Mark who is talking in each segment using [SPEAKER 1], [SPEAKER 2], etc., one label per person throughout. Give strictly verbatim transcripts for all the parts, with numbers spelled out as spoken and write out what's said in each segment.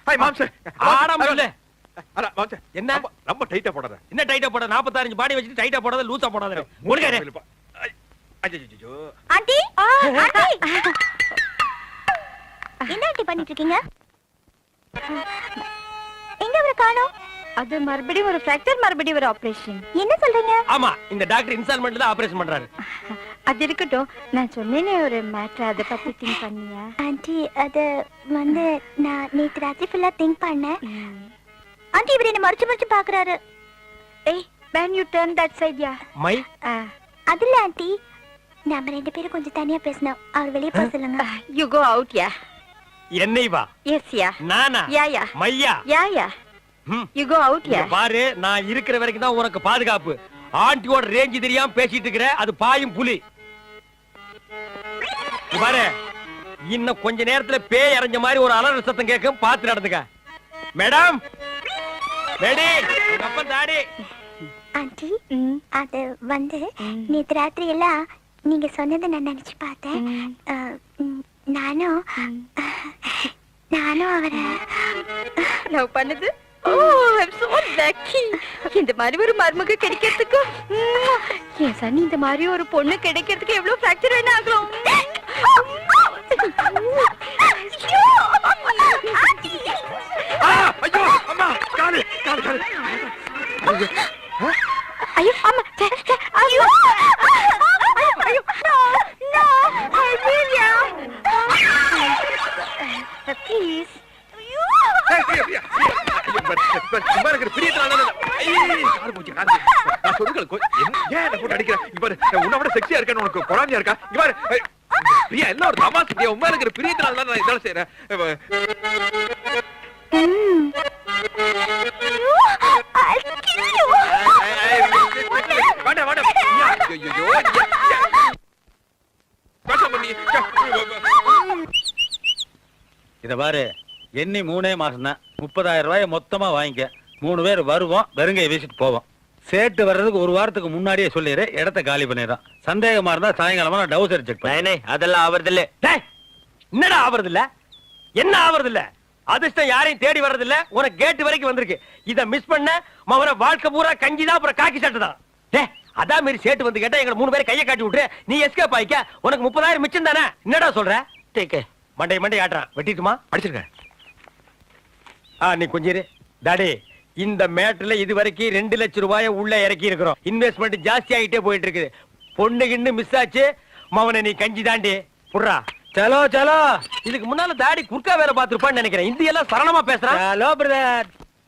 [SPEAKER 1] Hi மாம்சே.
[SPEAKER 2] ஆடாம இல்ல.
[SPEAKER 1] அட மாம்சே.
[SPEAKER 2] என்ன?
[SPEAKER 1] ரொம்ப டைட்டா போடாத.
[SPEAKER 2] என்ன டைட்டா போட? நாற்பத்தாறு பாடி வச்சிட்டு டைட்டா போடாத, லூசா போடாத. முடிக்காதே.
[SPEAKER 1] ஐயோ.
[SPEAKER 3] ஆண்டி ஆண்டி என்ன ஆண்டி பண்ணிட்டு இருக்கீங்க? எங்க அவரை காணோம்?
[SPEAKER 4] அது மறுபடியும் ஒரு ஃபிராக்சர், மறுபடியும் ஒரு ஆபரேஷன்.
[SPEAKER 3] என்ன சொல்றீங்க?
[SPEAKER 2] ஆமா, இந்த டாக்டர் இன்ஸ்டால்மென்ட்ல தான் ஆபரேஷன் பண்றாரு.
[SPEAKER 4] அது இருக்கட்டும், நான் சொன்னேனே ஒரு மேட்டர், அதை பத்தி திங்க் பண்ணியா?
[SPEAKER 3] ஆண்டி அது வந்து நான் நேத்து ராத்திரி ஃபுல்லா திங்க் பண்ணேன். ஆண்டி இவர் என்ன மறைச்சு மறைச்சு பாக்குறாரு.
[SPEAKER 4] ஏய், when you turn that side, yeah.
[SPEAKER 2] மை
[SPEAKER 3] அதுல ஆண்டி நாம ரெண்டு பேரும் கொஞ்சம் தனியா பேசணும். அவர் வெளியே போக சொல்லுங்க.
[SPEAKER 4] You go out, yeah.
[SPEAKER 2] என்னை வா.
[SPEAKER 4] Yes, yeah.
[SPEAKER 2] நானா?
[SPEAKER 4] Yeah, yeah.
[SPEAKER 2] மையா?
[SPEAKER 4] Yeah, yeah.
[SPEAKER 2] ம்.
[SPEAKER 4] You go out,
[SPEAKER 2] இங்க
[SPEAKER 4] yeah.
[SPEAKER 2] பாரு, நான் இருக்கிற வரைக்கும் தான் உனக்கு பாதுகாப்பு. ஆண்டியோட ரேஞ்ச் தெரியாம பேசிட்டு இருக்கற, அது பாயும் புலி. இங்க பாரு, இன்னும் கொஞ்ச நேரத்துல பேய் அரைஞ்ச மாதிரி ஒரு அலறல் சத்தம் கேட்கும், பார்த்து நடந்துக்க. மேடம், மேடி, உங்க அப்பன் தாடி.
[SPEAKER 3] ஆண்டி அது வந்து நேத்து ராத்திரி எல்லாம் நீங்க சொன்னதை நான் நினைச்சு பார்த்தேன். அஹ், ம், நானும் நானும் அவரை
[SPEAKER 4] லவ் பண்ணுது. Oh, I'm so lucky. இந்த மாதிரி ஒரு மருமக கிடைக்கிறதுக்கு என் சனி இந்த மாதிரி ஒரு பொண்ணு கிடைக்கிறதுக்கு எவ்வளவு ஃபிராக்சர் வேணா ஆகலாம்.
[SPEAKER 1] ஆ, ஐயோ அம்மா, காலு காலு காலு.
[SPEAKER 4] ஐயோ அம்மா, ஐயோ ஐயோ, no no, Amelia, please.
[SPEAKER 1] ஏய், ஐயோ, ஐயோ. ஐயோ, பட், பட், சும்மா இருக்கிற பிரியத்தினால நான் ஐய், கால் போச்சு, கால் போச்சு. நான் சொல்லுங்கள், கொ- என்ன- ஏன் என்னை போட்டு அடிக்கிற? இங்க பாரு, நான் உன்னை விட செக்ஸியா இருக்கேன்னு உனக்கு பொறாமையா இருக்கா? இங்க பாரு, ஏய், பிரியா, எல்லாம் ஒரு தமாசு பிரியா. உண்மையில இருக்கிற பிரியத்தினால தான் நான் இதெல்லாம் செய்றேன். இவ- ஏய், ஏய், வேண்டாம், வேண்டாம். ஐயா, ஐயோ, ஐயோ, ஐயா, ஐயா. பேசாம நீ,
[SPEAKER 5] இத பாரு, எண்ணி மூணே மாசம் தான். முப்பதாயிரம் ரூபாய மொத்தமா வாங்கிக்க. மூணு பேர் வருவோம், வெறுங்கையை வீசிட்டு போவோம். சேட்டு வர்றதுக்கு ஒரு வாரத்துக்கு முன்னாடியே சொல்லிடு, இடத்த காலி பண்ணிடுறோம். சந்தேகமா இருந்தா சாயங்காலமா நான் டவுசர் செக் பண்ணேன்.
[SPEAKER 2] அதெல்லாம் ஆவறது இல்ல. என்னடா ஆவறது இல்ல? என்ன ஆவறது இல்ல? அதிர்ஷ்டம் யாரையும் தேடி வர்றது இல்ல. உனக்கு கேட் வரைக்கும் வந்திருக்கு. இத மிஸ் பண்ண மவன வாழ்க்கை பூரா கஞ்சிதான், அப்புறம் காக்கி சட்டை தான். டேய், அதான் மாரி சேட்டு வந்து கேட்டா எங்க மூணு பேரை கையை காட்டி விட்டு நீ எஸ்கேப் ஆயிக்க. உனக்கு முப்பதாயிரம் மிச்சம் தானே? என்னடா சொல்ற? டேக் மண்டை மண்டை ஆட்டுறான். வெட்டிட்டுமா?
[SPEAKER 1] அடிச்சிருங்க.
[SPEAKER 2] ஆ, நீ கொஞ்சம் இரு. டாடி, இந்த மேட்ல இது வரைக்கும் ரெண்டு லட்சம் ரூபாய உள்ள இறக்கி இருக்கிறோம். இன்வெஸ்ட்மெண்ட் ஜாஸ்தி ஆகிட்டே போயிட்டு இருக்குது. பொண்ணு கிண்ணு மிஸ் ஆச்சு. மவனை நீ கஞ்சி தாண்டி புடுறா.
[SPEAKER 5] சலோ சலோ.
[SPEAKER 2] இதுக்கு முன்னால தாடி குர்க்கா வேற பாத்துருப்பான்னு நினைக்கிறேன். இந்தி எல்லாம் சரளமா பேசுறான்.
[SPEAKER 5] Hello brother.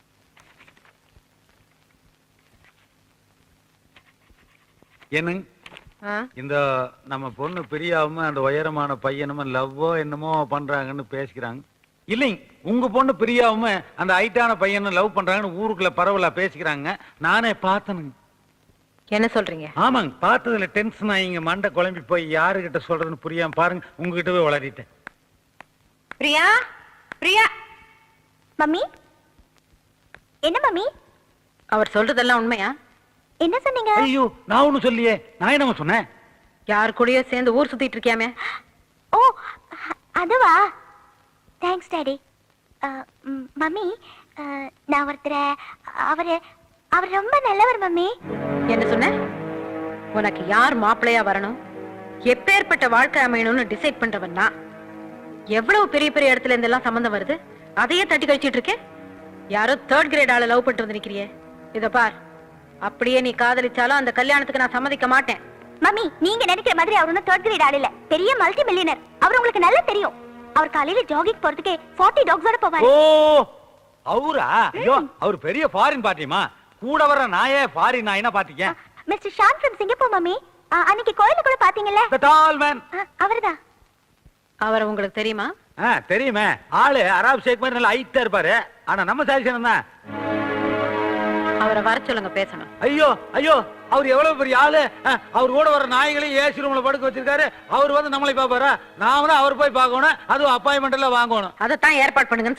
[SPEAKER 5] என்னங்க இந்த நம்ம பொண்ணு பிரியாவும் அந்த உயரமான பையனும் லவ்வோ என்னமோ பண்றாங்கன்னு பேசிக்கிறாங்க. இல்லைங்க, உங்க பொண்ணு பிரியாவும் அந்த ஹைட்டான பையனும் லவ் பண்றாங்கன்னு ஊருக்குள்ள பரவலா பேசிக்கிறாங்க. நானே பார்த்தனுங்க.
[SPEAKER 4] என்ன சொல்றீங்க?
[SPEAKER 5] ஆமாங்க, பார்த்ததுல டென்ஷன் ஆகிங்க, மண்டை குழம்பி போய் யாருகிட்ட சொல்றதுன்னு புரியாம பாருங்க, உங்ககிட்ட போய் வளரிட்டேன்.
[SPEAKER 4] பிரியா, பிரியா.
[SPEAKER 3] மம்மி என்ன மம்மி?
[SPEAKER 4] அவர் சொல்றதெல்லாம் உண்மையா?
[SPEAKER 3] என்ன சொன்னீங்க?
[SPEAKER 5] ஐயோ, நான் ஒண்ணும் சொல்லியே. நான் என்னமா சொன்னேன்?
[SPEAKER 4] யார் கூடயோ சேர்ந்து ஊர் சுத்திட்டு இருக்கியாமே?
[SPEAKER 3] ஓ அதுவா? Thanks daddy. மம்மி, நான் ஒருத்தர அவரு அவர் ரொம்ப நல்லவர் மம்மி.
[SPEAKER 4] என்ன சொன்ன? உனக்கு யார் மாப்பிள்ளையா வரணும், எப்பேற்பட்ட வாழ்க்கை அமையணும்னு டிசைட் பண்றவன் நான். எவ்வளவு பெரிய பெரிய இடத்துல இருந்தெல்லாம் சம்பந்தம் வருது, அதையே தட்டி கழிச்சிட்டு இருக்கேன். யாரோ தேர்ட் கிரேட் ஆள லவ் பண்ணிட்டு வந்து நிக்கிறியே. இத பார், அப்படியே நீ காதலிச்சாலும் அந்த கல்யாணத்துக்கு நான் சம்மதிக்க மாட்டேன்.
[SPEAKER 3] மம்மி, நீங்க நினைக்கிற மாதிரி அவர் ஒன்னும் தேர்ட் கிரேட் ஆள் இல்ல. பெரிய மல்டி மில்லியனர். அவர் உங்களுக்கு நல்லா தெரியும். அவர் காலையில ஜாகிங் போறதுக்கு நாற்பது டாக்ஸோட போவாரு.
[SPEAKER 5] ஓ, அவரா? ஐயோ, அவர் பெரிய ஃபாரின் பார்ட்டிமா. கூட வர நாயே ஃபாரின் நாயினா பாத்தீங்க.
[SPEAKER 3] Mister Shaan from Singapore mummy. அன்னைக்கு கோயில கூட பாத்தீங்கல்ல?
[SPEAKER 5] The tall man.
[SPEAKER 3] அவர்தான்.
[SPEAKER 4] அவர் உங்களுக்கு தெரியுமா?
[SPEAKER 5] ஆ, தெரியுமே. ஆளு அராப் ஷேக் மாதிரி நல்ல ஹைட்டா இருப்பாரு. ஆனா நம்ம சாதிச்சனம் தான்.
[SPEAKER 4] அவரை வர சொல்லுங்க, பேசணும்.
[SPEAKER 5] ஐயோ ஐயோ, அவர் எவ்வளவு பெரிய ஆளு. அவர் கூட வர நாய்களையும் ஏசி ரூம்ல படுக்க வச்சிருக்காரு. அவர் வந்து நம்மளை பாப்பாரா? நாம தான் அவர் போய் பார்க்கணும். அதுவும் அப்பாயின்மெண்ட் எல்லாம் வாங்கணும்.
[SPEAKER 4] அதைத்தான் ஏற்பாடு பண்ணுங்க.